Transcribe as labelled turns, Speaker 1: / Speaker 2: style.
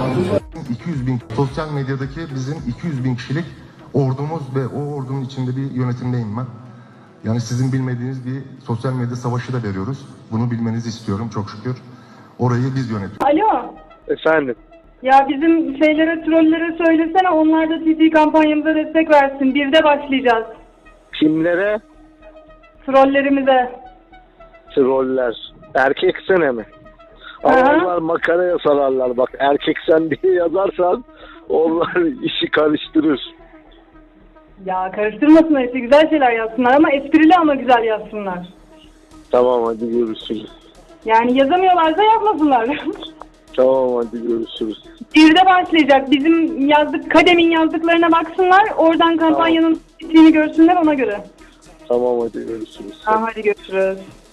Speaker 1: 200 bin sosyal medyadaki bizim 200 bin kişilik ordumuz ve o ordunun içinde bir yönetimdeyim ben. Yani sizin bilmediğiniz bir sosyal medya savaşı da veriyoruz. Bunu bilmenizi istiyorum çok şükür. Orayı biz yönetiyoruz.
Speaker 2: Alo.
Speaker 3: Efendim?
Speaker 2: Ya bizim trollere söylesene, onlar da TT kampanyamıza destek versin. Birde başlayacağız.
Speaker 3: Kimlere?
Speaker 2: Trollerimize.
Speaker 3: Troller. Erkek sene mi?
Speaker 2: Aha.
Speaker 3: Onlar makaraya sararlar. Bak erkek sen diye yazarsan onlar işi karıştırır.
Speaker 2: Ya karıştırmasınlar, işte güzel şeyler yazsınlar ama esprili ama güzel yazsınlar.
Speaker 3: Tamam hadi görüşürüz.
Speaker 2: Yani yazamıyorlarsa yapmasınlar.
Speaker 3: Tamam hadi görüşürüz.
Speaker 2: Birde başlayacak. Bizim Kadem'in yazdıklarına baksınlar. Oradan kampanyanın bittiğini görsünler, ona göre.
Speaker 3: Tamam hadi görüşürüz.
Speaker 2: Tamam, hadi görüşürüz.